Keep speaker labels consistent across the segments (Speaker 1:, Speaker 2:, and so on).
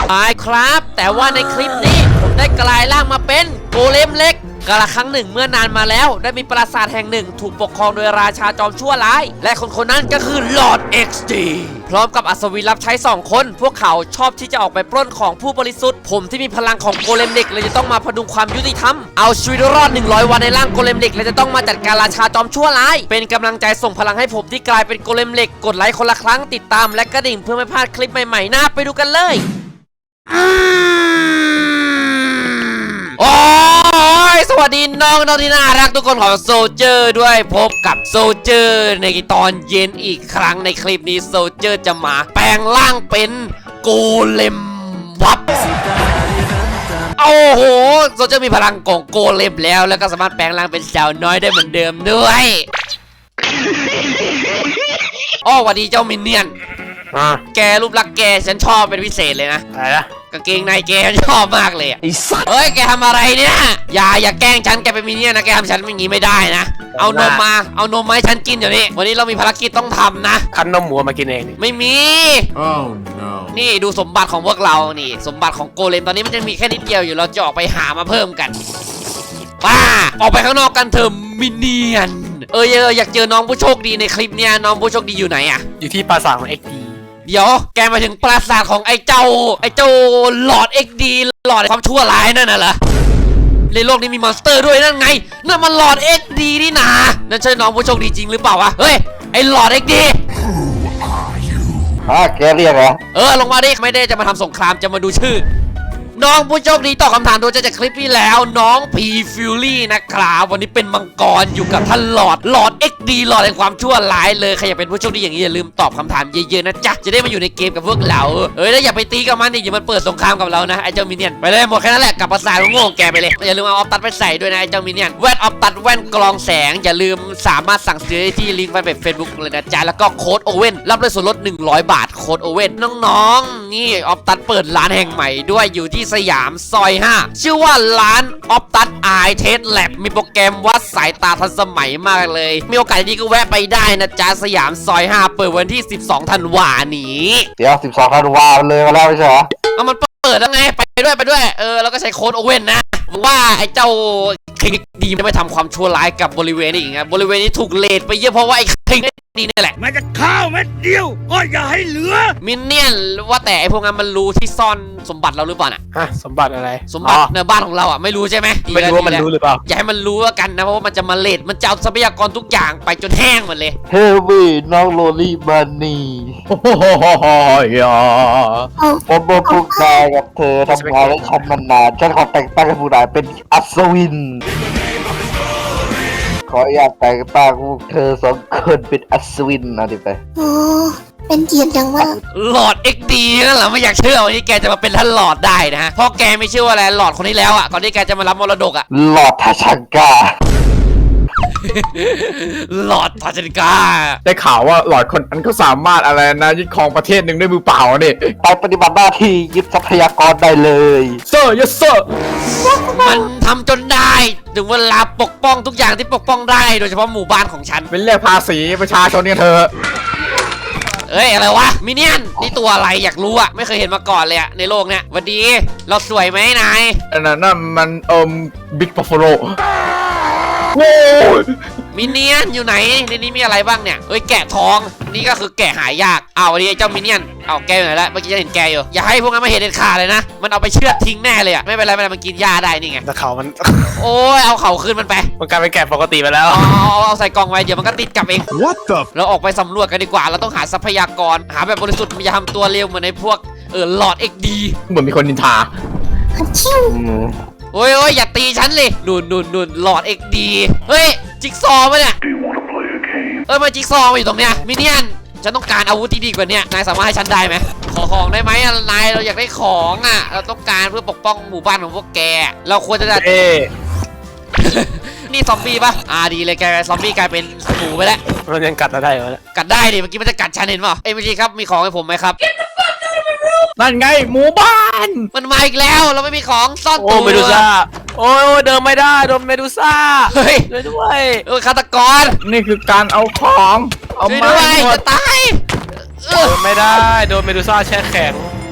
Speaker 1: ใช่ครับแต่ว่าในคลิปนี้ผมได้กลายร่างมาเป็นโกเลมเล็กกาลครั้งหนึ่งเมื่อนานมาแล้วได้มีปราสาทแห่งหนึ่งถูกปกครองโดยราชาจอมชั่วร้ายและคนนั้นก็คือลอร์ด XD พร้อมกับอัศวินรับใช้2 คนพวกเขาชอบที่จะออกไปปล้นของผู้บริสุทธิ์ผมที่มีพลังของโกเลมเด็กเลยจะต้องมาพดุงความยุติธรรมเอาชีวิตรอด100 วันในร่างโกเลมเด็กและจะต้องมาจัดการราชาจอมชั่วร้ายเป็นกำลังใจส่งพลังให้ผมที่กลายเป็นโกเลมเด็กกดไลค์คนละครั้งติดตามและกระดิ่งเพื่อไม่พลาดคลิปใหม่ๆน่าไปดูกันเลยโอ้ยสวัสดีน้องที่น่ารักทุกคนของโซเจอร์ด้วยพบกับโซเจอร์ในตอนเย็นอีกครั้งในคลิปนี้โซเจอร์จะมาแปลงร่างเป็นโกเลมวับโอ้โหโซเจอร์มีพลังของโกเลมแล้วก็สามารถแปลงร่างเป็นสาวน้อยได้เหมือนเดิมด้วยอ้อสวัสดีเจ้ามินเนี่ยนแกรูปลักษณ์แกฉันชอบเป็นพิเศษเลยนะอะไรนะกางเกงในแกชอบมากเลยไอ้สัสเฮ้ยแกทำอะไรเนี่ยอย่าแกล้งฉันแกเป็นมินเนี่ยนนะแกทำฉันอย่างนี้ไม่ได้นะเอานมมาให้ฉันกินเดี๋ยวนี้วันนี้เรามีภารกิจต้องทำนะ
Speaker 2: คั้นนมหมูมากินเอง
Speaker 1: ไม่มี
Speaker 3: Oh no
Speaker 1: นี่ดูสมบัติของพวกเรานี่สมบัติของโกเลมตอนนี้มันจะมีแค่นิดเดียวอยู่เราจะออกไปหามาเพิ่มกันป้าออกไปข้างนอกกันเถอะมินเนี่ยนอยากเจอน้องผู้โชคดีในคลิปเนี่ยน้องผู้โชคดีอยู่ไหนอะ
Speaker 2: อยู่ที่ปราสาทของ XD
Speaker 1: เดี๋ยวแกมาถึงปราสาทของไอ้เจ้าหลอด XD หลอดความชั่วร้ายนั่นน่ะเหรอในโลกนี้มีมอนสเตอร์ด้วยนั่นไงนั่นมันหลอด XD นี่นานั่นใช่น้องผู้โชคดีจริงหรือเปล่าวะเฮ้ยไอ้หลอด XD
Speaker 4: แกเรียกเหรอ
Speaker 1: ลงมาดิไม่ได้จะมาทำสงครามจะมาดูชื่อน้องผู้โชคดีตอบคำถามโดยจากคลิปที่แล้วน้องพีฟิลลี่นะครับวันนี้เป็นมังกรอยู่กับท่านหลอด XD หลอดแห่งความชั่วร้ายเลยใครอยากเป็นผู้โชคดีอย่างนี้อย่าลืมตอบคำถามเยอะๆนะจ๊ะจะได้มาอยู่ในเกมกับพวกเราแล้วอย่าไปตีกับมันดิอย่ามันเปิดสงครามกับเรานะไอ้เจ้ามินเนี่ยนไปเลยหมดแค่นั้นแหละกับภาษาโง่แกไปเลยอย่าลืมเอาออฟตัดไปใส่ด้วยนะไอ้เจ้ามินเนี่ยนแว่นออฟตัดแว่นกรองแสงอย่าลืมสามารถสั่งซื้อที่ลิงก์แฟนเพจ Facebook เลยนะจ๊ะแล้วก็โค้ดโอเว่นรับเลยส่วนลด100 บาทโค้ดโอเว่นน้องๆนี่ออฟตัดเปิดร้านแห่งใหม่ด้วยอยู่ที่สยามซอย5ชื่อว่าร้านออฟตัดไอเทสแลบมีโปรแกรมวัดสายตาทันสมัยมากเลยมีโอกาสดีก็แวะไปได้นะจ๊ะสยามซอย5เปิดวันที่12 ธันวานี้
Speaker 4: เดี๋ยว12 ธันวาเลยมาแล้วไม่ใช่เหรอ
Speaker 1: เอามันเปิดแล้วไงไปด้วยแล้วก็ใช้โค้ดโอเว่นนะว่าไอ้เจ้าคิงดีไม่ทำความชั่วร้ายกับบริเวณนี้อีกนะบริเวณนี้ถูกเลทไปเยอะเพราะว่าไอ้คิงดีนี่แหละ
Speaker 3: มันจะข้าวเม็ดเดียวก็อย่าให้เหลือ
Speaker 1: มินเนี่ยนว่าแต่ไอ้พวกนั้นมันรู้ที่ซ่อนสมบัติเราหรือเปล่าน่ะ
Speaker 2: สมบัติอะไร
Speaker 1: สมบัติในบ้านของเราอ่ะไม่รู้ใช่ไหม
Speaker 2: ไม่รู้ว่ามันรู้หรือเปล่า
Speaker 1: อย่าให้มันรู้แล้วกันนะเพราะว่ามันจะมาเลทมันจะเอาทรัพยากรทุกอย่างไปจนแห้งหมดเลย
Speaker 4: เฮวี่น้องโรลี่บันนี่ผมบอกพวกนายกับเธอทำงานและทำนานๆฉันขอแต่งตั้งให้ผู้นายเป็นอัศวินขออยากแต่งตั้งพวกเธอ2 คนเป็นอัศวินนะดิไป
Speaker 5: โอ้เป็นเกียรติจังว่า
Speaker 1: หลอด XD นั่นแหละไม่อยากเชื่อวันนี้แกจะมาเป็นท่านหลอดได้นะฮะเพราะแกไม่เชื่อว่าอะไรหลอดคนนี้แล้วอ่ะก่อนที่แกจะมารับมรดกอ่ะ
Speaker 4: หลอดทาชังกา
Speaker 1: หลอดทาชังกา
Speaker 2: ได้ข่าวว่าหลอดคนนั้นก็สามารถอะไรนะยึดครองประเทศหนึ่งด้วยมือเปล่าเนี่ย
Speaker 4: ไปปฏิบัติหน้าที่ยึดทรัพยากรได้เลย
Speaker 2: เซอร์ยัสเซอร์
Speaker 1: มันทำจนได้ถึงเวลาปกป้องทุกอย่างที่ปกป้องได้โดยเฉพาะหมู่บ้านของฉัน
Speaker 2: เป็นเรียกภาษีประชาชนเนี่ยเธอ
Speaker 1: อะไรวะมิเนียนนี่ตัวอะไรอยากรู้อ่ะไม่เคยเห็นมาก่อนเลยอ่ะในโลกเนี้ยวันดีเราสวยไหมนาย
Speaker 2: นั่นมันบิ๊กบัฟฟาโล
Speaker 1: โว้มิเนียนอยู่ไหนในนี้มีอะไรบ้างเนี่ยแกะทองนี่ก็คือแกะหายากวันนี้เจ้ามิเนียนแกอยู่ไหนแล้วเมื่อกี้จะเห็นแกอยู่อย่าให้พวกนั้นมาเห็นเด็ดขาดเลยนะมันเอาไปเชือดทิ้งแน่เลยอ่ะไม่เป็นไรมันกินหญ้าได้นี่ไง
Speaker 2: แต่เขามัน
Speaker 1: โอ้ยเอาเขาขึ้นมันไป
Speaker 2: มันกลายเป็นแกะปกติไปแล้ว
Speaker 1: เอาใส่กล่องไว้เดี๋ยวมันก็ติดกลับเอง
Speaker 3: What the
Speaker 1: เราออกไปสำรวจกันดีกว่าเราต้องหาทรัพยากรหาแบบบริสุทธิ์อย่าทำตัวเร็วเหมือนในพวกหลอด XD
Speaker 2: เหมือนมีคนนินทา
Speaker 1: โอ้ยอย่าตีฉันเลยนุ่นหลอด XD เฮ้ยจิ๊กซอว์มาเนี่ยมาจิ๊กซอว์มาอยู่ตรงเนี้ยมิเนียนฉันต้องการอาวุธที่ดีกว่านี้นายสามารถให้ฉันได้ไหมขอของได้ไหมนายเราอยากได้ของเราต้องการเพื่อปกป้องหมู่บ้านของพวกแกเราควรจะนี่ซอมบี้ปะดีเลยแกซอมบี้กลายเป็นหมูไปแล้ว
Speaker 2: มันยังกัดได้เหรอ
Speaker 1: กัดได้ดิเมื่อกี้มันจะกัดฉันเห็นป่ะเมื่อกี้ครับมีของให้ผมไหมครับ
Speaker 2: นั่นไงหมู่บ้าน
Speaker 1: มันมาอีกแล้วเราไม่มีของซ่อน
Speaker 2: ตัวเมดูซ่าโอ้เดินไม่ได้โดนเมดูซ่า
Speaker 1: เฮ้ย
Speaker 2: ด้วย
Speaker 1: ฆาตกร
Speaker 2: นี่คือการเอาของ
Speaker 1: เอามาจะตาย
Speaker 2: โดนไม่ได้โดนเมดูซ่าแช่แข็ง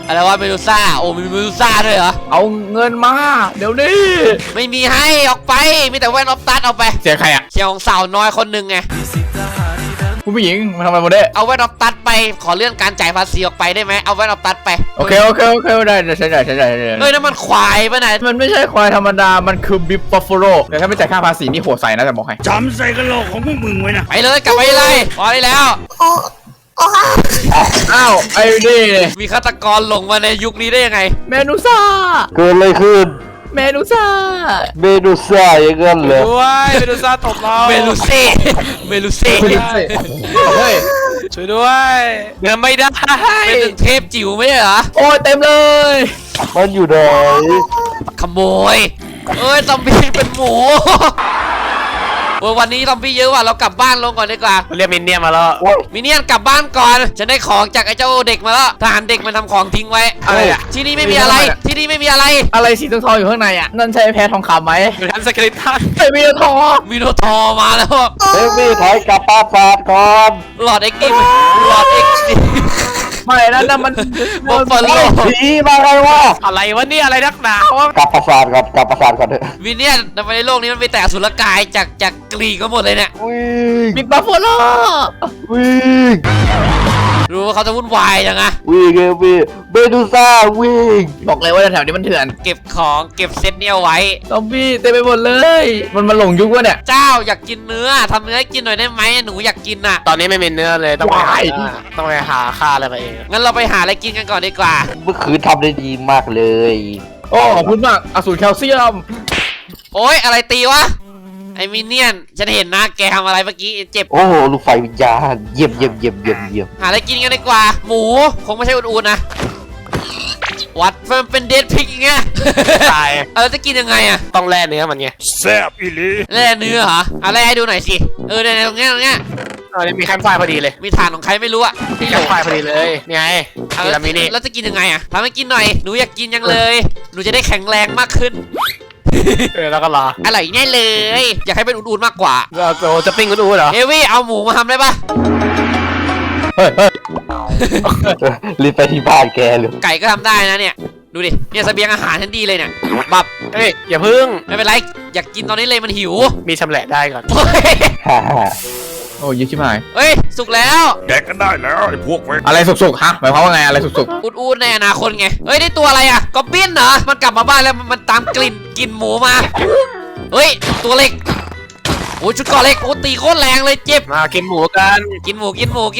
Speaker 1: อะไรวะเมดูซ่าโอ้มีเมดูซ่าด้วยเหรอ
Speaker 2: เอาเงินมาเดี๋ยวนี้
Speaker 1: ไม่มีให้ออกไปมีแต่แว่นออฟตัดเอาไป
Speaker 2: เสียใครอ่ะ
Speaker 1: เชียร์ของสาวน้อยคนหนึ่งไง
Speaker 2: คุณผู้หญิงมาทำอะไรมาได้
Speaker 1: เอาแว่นออฟตัดไปขอเลื่อนการจ่ายภาษีออกไปได้ไหมเอาแว่นออฟตัดไป
Speaker 2: โอเคได้ใช่ได้
Speaker 1: เฮ้ยนั่นมันควายปะเนี่ย
Speaker 2: มันไม่ใช่ควายธรรมดามันคือบิฟบัฟฟาโลแต่ถ้าไม่จ่ายค่าภาษีนี่โหดใส่นะแต่บอกให้
Speaker 3: จำใส่กระโหลกของพวกมึงไว้นะ
Speaker 1: ไปเลยกลับไปเลยพอได้แล้ว
Speaker 5: โอ้โอ้ฮะ
Speaker 2: อ้าวไอ้นี่
Speaker 1: มีฆาตกรหลงมาในยุคนี้ได้ยังไง
Speaker 2: เมนูซ่า
Speaker 4: เกิดอะไรขึ้น
Speaker 2: เมนูซ่า
Speaker 4: เมนูซ่าอย่างนั้นเหรอ
Speaker 6: ด้วยเมดูซ่าตบเรา
Speaker 1: เมลูเซ่เมลูเซ่
Speaker 2: เฮ้ย
Speaker 6: ช่วยด้วยเดินไม่ได้
Speaker 1: เป็นถึงเทพจิ๋วไม่ใช่เหรอ
Speaker 2: โอ้ยเต็มเลย
Speaker 4: มันอยู่ไหน
Speaker 1: ขโมยเอ้ยซอมบี้เป็นหมูโอ้ยวันนี้ซอมบี้เยอะว่ะเรากลับบ้านลงก่อนดีกว่า
Speaker 6: เรียกมินเนี่ยนมาแล้ว
Speaker 4: โอ้ย
Speaker 1: มินเนี่ยนกลับบ้านก่อนฉันได้ของจากไอ้เจ้าเด็กมาแล้วทหารเด็กมันทำของทิ้งไว้
Speaker 2: อะไรอ่ะ
Speaker 1: ที่นี่ไม่มีอะไรที่นี่ไม่มีอะไร
Speaker 2: อะไรสีทองๆอยู่ข้างในอ่ะนั่นใช่แพ้ทองคำไหม
Speaker 6: อยู่ทันสคริปต์ท่าน
Speaker 2: ไอ้มีทอง
Speaker 1: มีโนทอร์มาแล้ว
Speaker 4: เฮ้ยพี่ถอยกลับปราสาทก่อน
Speaker 1: หลอดเอ็กซ์ดิหลอดเอ็กซ์ดิ
Speaker 2: ไม่นั่นน่ะมัน
Speaker 1: บัฟฟาโล
Speaker 4: ผีมาไงวะ
Speaker 6: อะไรวะเนี่ยอะไรนักหนาวะ
Speaker 4: กลับปราสาทก่อนกลับปราสาทก่อนเถอะ
Speaker 1: มินเนี่ยนทำไมในโลกนี้มันมีแต่อสุรกายจากกรีกก็หมดเลยเนี่ย
Speaker 4: วิ่ง
Speaker 2: บิ๊กบัฟฟาโล
Speaker 4: วิ่ง
Speaker 1: รู้ว่าเขาจะวุ่นวายจังอะ
Speaker 4: วิ่งวิ่งเมดูซ่าวิ่ง
Speaker 2: บอกเลยว่าแถวนี้มันเถื่อน
Speaker 1: เก็บของเก็บเซตเนี่ยเอาไว้
Speaker 2: ซอมบี้เต็มไปหมดเลย มันมาหลงยุควะเนี่ย
Speaker 1: เจ้าอยากกินเนื้อทำเนื้อให้กินหน่อยได้ไหมหนูอยากกินน่ะ
Speaker 6: ตอนนี้ไม่มีเนื้อเลยต้องไปหา
Speaker 2: ว้าย
Speaker 6: ต้องไปหาค่าอะไรมาเอง
Speaker 1: งั้นเราไปหาอะไรกินกันก่อนดีกว่า
Speaker 4: เมื่อคืนทำได้ดีมากเลย
Speaker 2: โอ้ขอบคุณมากอสูรแคลเซียม
Speaker 1: โอ๊ยอะไรตีวะไอ้มินเนี่ยนฉันเห็นนะแกทำอะไรเมื่อกี้เจ็บ
Speaker 4: โอ้โหลูกไฟวิญญาณเยี่ยมเยี่ยมเยี่ยมเยี่ยมเยี่ยม
Speaker 1: หาอะไรกินกันดีกว่า หมูคงไม่ใช่อุ่นๆนะวัดมันเป็นเดดพิกอย่างเงี้ย
Speaker 6: ตาย
Speaker 1: เราจะกินยังไงอะ
Speaker 6: ต้องแล่เนื้อมันไง
Speaker 3: แซ่บอีหลี
Speaker 1: แล่เนื้อเหรอเอาแล่ให้ดูหน่อยสิเนี่ยตรงเนี้ย
Speaker 6: นี่มีแคมป์ไฟพอดีเลย
Speaker 1: มีฐานของใครไม่รู้อะ
Speaker 6: มีแคมป์ไฟพอดีเลยนี่ไงนี่เรามีนี่
Speaker 1: แล้วจะกินยังไงอะทำให้กินหน่อยหนูอยากกินยังเลยหนูจะได้แข็งแรงมากขึ้น
Speaker 6: แล้วก็รอ
Speaker 1: อร่อยแน่เลย อยากให้เป็นอุ่นๆมากกว่า
Speaker 6: เราจะปิ้งกันดูเหรอ
Speaker 1: เอวี่เอาหมูมาทำได้ปะ
Speaker 2: เฮ้ย
Speaker 4: รีบไปที่บ้านแกเลย
Speaker 1: ไก่ก็ทำได้นะเนี่ย ดูดิ เนี่ยเสบียงอาหารฉันดีเลยเนี่ยบับ
Speaker 6: เฮ้ยอย่าพึ่ง
Speaker 1: ไม่เป็นไร อยากกินตอนนี้เลยมันหิว
Speaker 6: มีชำแหละได้ก่อน
Speaker 1: เฮ้ย
Speaker 4: ฮ่าฮ่า
Speaker 2: โอ้ยชิบหาย
Speaker 1: เฮ้ย สุกแล้ว
Speaker 3: แดกกันได้แล้วไอ้พวกเว้ย
Speaker 2: อะไรสุกๆฮะหมายความว่าไงอะไรสุก
Speaker 1: อุ่นๆในอนาคตไง เฮ้ย ได้ตัวอะไรอะกอบบินเหรอ มันกลับมาบ้านแล้วมันตามกลิ่นหมูมา เฮ้ย ตัวเล็ก โอ้ยชุดเก่อเล็ก โอ้ตีโคตรแรงเลยเจ็บ
Speaker 6: มากินหมูกัน
Speaker 1: กินหมู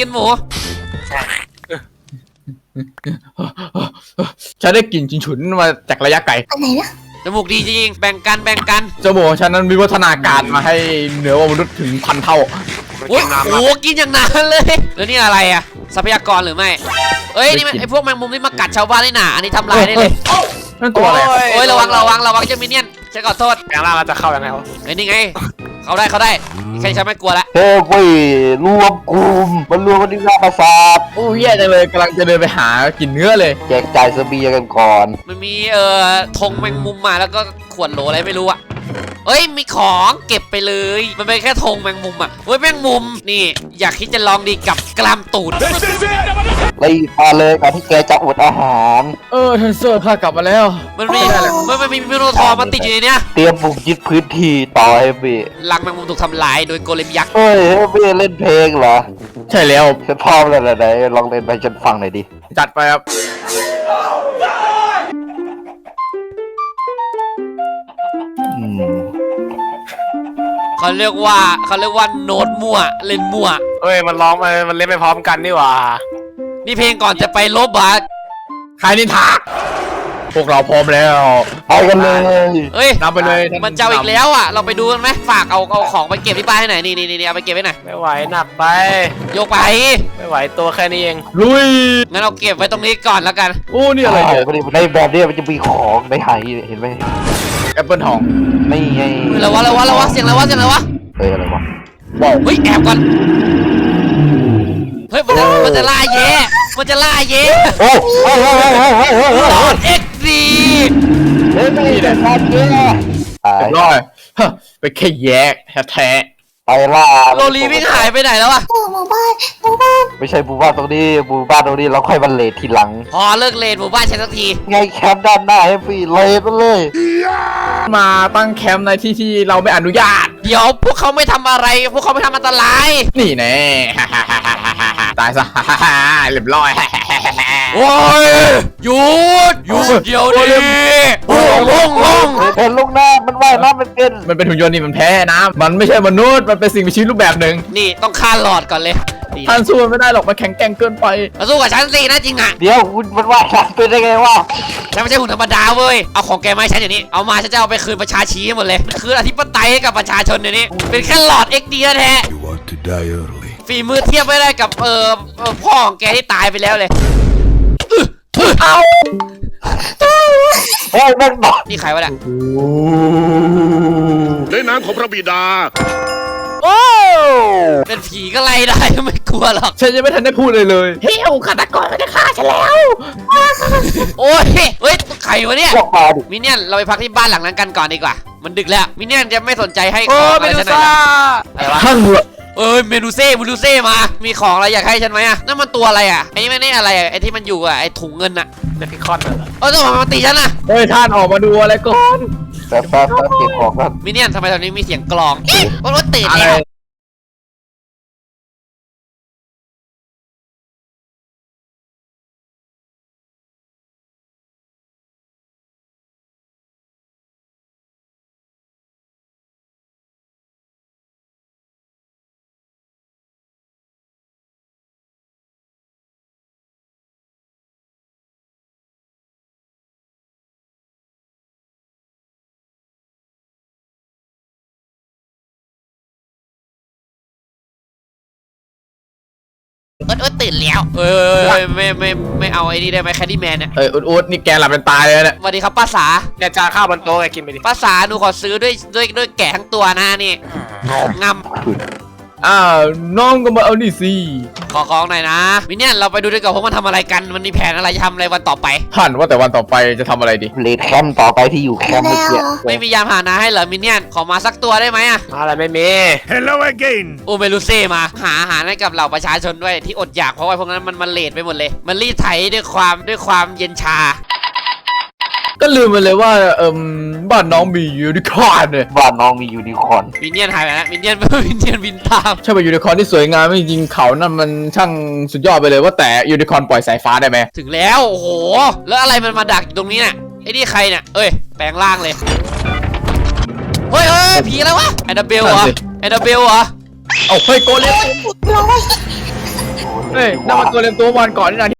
Speaker 2: ๆฉันได้กลิ่นฉุนๆมาจากระยะไกล
Speaker 5: อันไหนนะ
Speaker 1: จมูกดีจริงๆแบ่งกัน
Speaker 2: เจ้าโบของฉันนั้นวิวัฒนาการมาให้เหนือกว่ามนุษย์ถึง1,000 เท่า
Speaker 1: โอ้ยโอ้กินอย่างนั้นเลย แล้วนี่อะไรอะทรัพยากรหรือไม่ เอ้ย นี่มันไอพวกแมงมุมที่มากัดชาวบ้านนี่หนาอันนี้ทำลายได้เลย
Speaker 2: นั่นตัวอะไร
Speaker 1: โอ้ยระวังเจ้ามินเนี่ยนฉันขอโทษ
Speaker 6: แปลงร่างเราจะเข้ายังไงวะ
Speaker 1: เฮ้ยนี่ไง เขาได้แค่ฉันไม่กลัวละ
Speaker 4: เฮ้ยเว้ยรวมกลุ่มมันรวมกันที่หน้าปราสาท
Speaker 2: โอ้ยแย่จังเลยกำลังจะเดินไปหากินเนื้อเลย
Speaker 4: แจกจ่ายเสบียงกันก่อน
Speaker 1: มันมีธงแมงมุมมาแล้วก็ขวดโหลอะไรไม่รู้อะเอ้ยมีของเก็บไปเลย มันเป็นแค่ธงแมงมุมอะเฮ้ยแมงมุมนี่อยากคิดจะลองดีกับกลามตูด
Speaker 4: รีบมาเลยก่อนที่แกจะอดอาหาร
Speaker 2: ท่านเซอร์ข้ากลับมาแล้ว
Speaker 1: มันมีมิโนทอร์มาติดอยู่ในเนี้ย
Speaker 4: เตรียมบุกยึดพื้นที่ต่อเฮฟวี่
Speaker 1: รังแมงมุมถูกทำลายโดยโกเลมยักษ์
Speaker 4: เฮ้ยเฮฟวี่เล่นเพลงเหรอ
Speaker 2: ใช่แล้ว
Speaker 4: ฉันพร้อมแล้วนะไหนลองเล่นไปฉันฟังหน่อยดิ
Speaker 2: จัดไปครับ
Speaker 4: อืม
Speaker 1: เขาเรียกว่าโน้ตมั่วเล่นมั่ว
Speaker 6: เฮ้ยมันร้องมันเล่นไปพร้อมกันนี่หว่า
Speaker 1: นี่เพลงก่อนจะไปลบอะ
Speaker 2: ใครนินทาพวกเราพร้อมแล้ว
Speaker 4: ไปกันเลย
Speaker 1: เฮ้ย
Speaker 2: นำไปเลยท่
Speaker 1: มันเจ้าอีกแล้วอ่ะ เราไปดูกันไหมฝากเอาของไปเก็บที่บ้านให้หน่อยนี่เอาไปเก็บไว้หน่อย
Speaker 6: ไม่ไหวหนักไป
Speaker 1: โยกไป
Speaker 6: ไม่ไหวตัวแค่นี้เอง
Speaker 2: ลุย
Speaker 1: งั้นเอาเก็บไว้ตรงนี้ก่อนแล้วกัน
Speaker 2: โอ้นี่อะไรเนี่ย
Speaker 4: ในแบบนี้มันจะมีของในไหเห็นไหม
Speaker 2: แอปเปิลทอง
Speaker 4: นี่ไง
Speaker 1: แล้ววะเสียงอะไรวะ
Speaker 4: เฮ้ยอะไรวะ
Speaker 1: เฮ้ยแอบก่อน เฮ้ยมันจะล่าเย่
Speaker 4: โอ้โห
Speaker 1: หลอดเอ็กซ์ดี
Speaker 4: เฮ้ยไม่ได้การเยอะ
Speaker 2: เรียบร้อยฮะไปแค่แยกแท้
Speaker 4: ไปไปล่า
Speaker 1: โรลีวิ่งหายไปไหนแล้วอะ
Speaker 5: หมู่บ้าน
Speaker 4: ไม่ใช่หมู่บ้านตรงนี้หมู่บ้านตรงนี้เราค่อยบันเลททีหลัง
Speaker 1: พอเลิกเลนหมู่บ้านฉันสักที
Speaker 4: ไงแคมป์ด้านหน้าให้ฟรีเลยไปเลย
Speaker 2: มาตั้งแคมป์ในที่ที่เราไม่อนุญาต
Speaker 1: เดี๋ยวพวกเขาไม่ทำอะไร พวกเขาไม่ทำอันตราย
Speaker 2: นี่แน่ ตายซะ เรียบร้อย
Speaker 1: โอ้ยหยุดเดี๋ยวดิลง
Speaker 4: เห็นลูกหน้ามันว่ายน้ำมันเป็น
Speaker 2: มันเป็นหุ่นยนต์นี่มันแพ้น้ำมันไม่ใช่มนุษย์มันเป็นสิ่งมีชีวิตรูปแบบหนึ่ง
Speaker 1: นี่ต้องฆ่าหลอดก่อนเลย
Speaker 2: ท่านสู้มันไม่ได้หรอกมันแข็งแกร่งเกินไป
Speaker 1: มาสู้กับฉันสินะจริงอะ
Speaker 4: เดี๋ยวคุณมันว่ายน้ำเป็นได้ไงวะ
Speaker 1: ฉันไม่ใช่หุ่นธรรมดาเว้ยเอาของแกมาให้ฉันอย่างนี้เอามาฉันจะเอาไปคืนประชาชีหมดเลยคืนอธิปไตยให้กับประชาชนเดี๋ยวนี้เป็นแค่หลอด XD แท้
Speaker 3: You want to die early
Speaker 1: ฝีมือเทียบไม่ได้กับพ่อของแกที่ตายไปแล้วเลย
Speaker 4: เฮ้ยแม่งหนอน
Speaker 1: นี่ใครวะเนี่ย
Speaker 3: ในนามของพระบิดา
Speaker 1: เป็นผีก็ไล่ได้ไม่กลัวหรอก
Speaker 2: ฉันยังไม่ทันได้พูดเลย
Speaker 1: เฮ้ยฆาตกรมันจะฆ่าฉันแล้วโอ้ยเฮ้ยใครวะเนี่ย
Speaker 4: พวกมาดิ
Speaker 1: มิเนี่ยนเราไปพักที่บ้านหลังนั้นกันก่อนดีกว่ามันดึกแล้วมิเนี่ยนจะไม่สนใจให้ของอะไรฉันหน่อยเหรออะไรวะ
Speaker 2: ท่าน
Speaker 1: เมนูเซ่มามีของอะไรอยากให้ฉันไหมอะนั่นมันตัวอะไรอะไอ้นี่มันนี่อะไรอะไอ้ที่มันอยู่อะไอ้ถุงเงินอะ
Speaker 6: เนพิคอนน่ะเหรอ
Speaker 1: ทำไมมันตีฉันอะ
Speaker 2: เฮ้ยท่านออกมาดูอะไรก่อน
Speaker 4: แป๊บเก็บของกัน
Speaker 1: มิเนี่ยนทำไมตอนนี้มีเสียงกลองรถตื่น
Speaker 2: อะไร
Speaker 1: แล้ว ตื่นแล้วไม่เอาไอ้นี่ได้ไหมแคดดี้แมนเนี่ย
Speaker 2: อุดนี่แกหลับเป็นตายเลยเนี่ย
Speaker 1: สวัสดีครับป้าสา
Speaker 6: เนี่ยจานข้าวบนโต๊ะไงกินไปดิ
Speaker 1: ป้าสาหนูขอซื้อด้วยแกะทั้งตัวนะนี่งำ
Speaker 2: อ้าวน้องก็มาเอานี่สิ
Speaker 1: ขอของหน่อยนะมิเนี่ยนเราไปดูด้วยกันว่ามันทำอะไรกันมันมีแผนอะไรจะทำอะไรวันต่อไป
Speaker 2: ท่านว่าแต่วันต่อไปจะทำอะไรดี
Speaker 4: เลทแคมป์ต่อไปที่อยู่แคมป์เมื่อกี้
Speaker 1: ไม่มียามหานะให้เหรอมิเนี่ยนขอมาสักตัวได้ไหมอะ
Speaker 6: อะไรไม่มี
Speaker 3: Hello again
Speaker 1: โอเมลูเซ่มาหาอาหารให้กับเหล่าประชาชนด้วยที่อดอยากเพราะว่าพวกนั้นมันเลทไปหมดเลย มันรีดไถด้วยความเย็นชา
Speaker 2: ก็ลืมไปเลยว่าบ้านน้องมียูนิคอร์นเนี่ย
Speaker 4: บ้านน้องมียูนิคอร์น
Speaker 1: มิเนี่ยนหายไปแล้วมิเนี่ยนบินตาม
Speaker 2: ใช่ป่ะยูนิคอร์นที่สวยงามจริงๆเขานั่นมันช่างสุดยอดไปเลยว่าแต่ยูนิคอร์นปล่อยสายฟ้าได้ไหม
Speaker 1: ถึงแล้วโอ้โหแล้วอะไรมันมาดักอยู่ตรงนี้เนี่ยไอ้นี่ใครเนี่ยเอ้ยแปลงร่างเลยเฮ้ยผีอะไรวะแอนนาเบลเหรอแอนนาเบลเหรอ
Speaker 2: เอาเฮ้ยโกเลม
Speaker 5: ร้อย
Speaker 2: เฮ้ยนั่นมันโกเลมตัววันก่อนนี่นะ